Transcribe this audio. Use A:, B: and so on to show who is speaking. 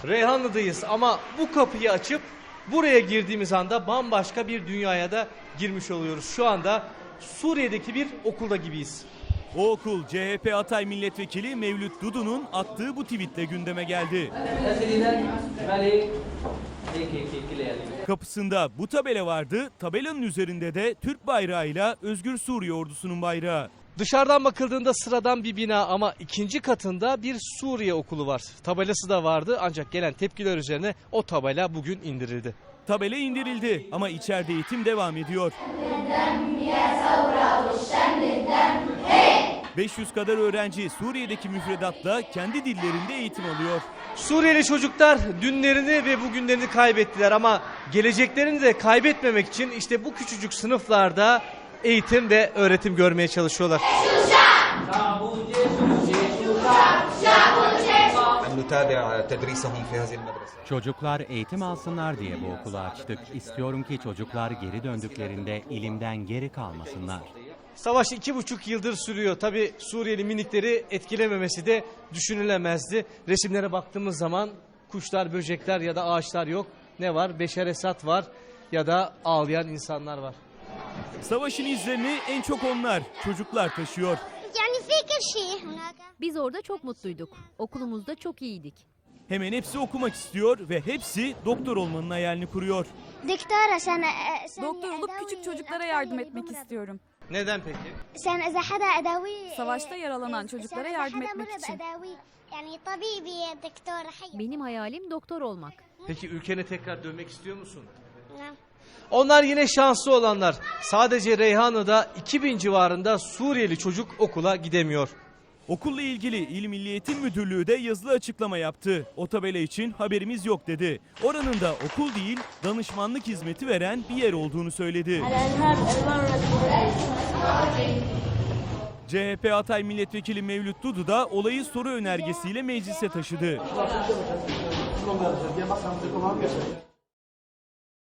A: Reyhanlı'dayız ama bu kapıyı açıp buraya girdiğimiz anda bambaşka bir dünyaya da girmiş oluyoruz. Şu anda Suriye'deki bir okulda gibiyiz.
B: O okul CHP Hatay Milletvekili Mevlüt Dudu'nun attığı bu tweetle gündeme geldi. Kapısında bu tabela vardı. Tabelanın üzerinde de Türk bayrağıyla Özgür Suriye Ordusu'nun bayrağı.
A: Dışarıdan bakıldığında sıradan bir bina ama ikinci katında bir Suriye okulu var. Tabelası da vardı ancak gelen tepkiler üzerine o tabela bugün indirildi.
B: Tabela indirildi ama içeride eğitim devam ediyor. 500 kadar öğrenci Suriye'deki müfredatla kendi dillerinde eğitim alıyor.
A: Suriyeli çocuklar dünlerini ve bugünlerini kaybettiler ama geleceklerini de kaybetmemek için işte bu küçücük sınıflarda eğitim ve öğretim görmeye çalışıyorlar.
C: Çocuklar eğitim alsınlar diye bu okulu açtık. İstiyorum ki çocuklar geri döndüklerinde ilimden geri kalmasınlar.
A: Savaş 2,5 yıldır sürüyor. Tabii Suriyeli minikleri etkilememesi de düşünülemezdi. Resimlere baktığımız zaman kuşlar, böcekler ya da ağaçlar yok. Ne var? Beşer Esad var ya da ağlayan insanlar var.
B: Savaşın izlerini en çok onlar, çocuklar taşıyor.
D: Biz orada çok mutluyduk. Okulumuzda çok iyiydik.
B: Hemen hepsi okumak istiyor ve hepsi doktor olmanın hayalini kuruyor.
E: Doktor olup küçük çocuklara yardım etmek istiyorum.
A: Neden peki?
E: Savaşta yaralanan çocuklara yardım etmek için.
D: Benim hayalim doktor olmak.
A: Peki ülkene tekrar dönmek istiyor musun? Onlar yine şanslı olanlar. Sadece Reyhanlı'da 2000 civarında Suriyeli çocuk okula gidemiyor.
B: Okulla ilgili İl Milli Eğitim Müdürlüğü de yazılı açıklama yaptı. O tabela için haberimiz yok dedi. Oranın da okul değil, danışmanlık hizmeti veren bir yer olduğunu söyledi. CHP Hatay Milletvekili Mevlüt Dudu da olayı soru önergesiyle meclise taşıdı.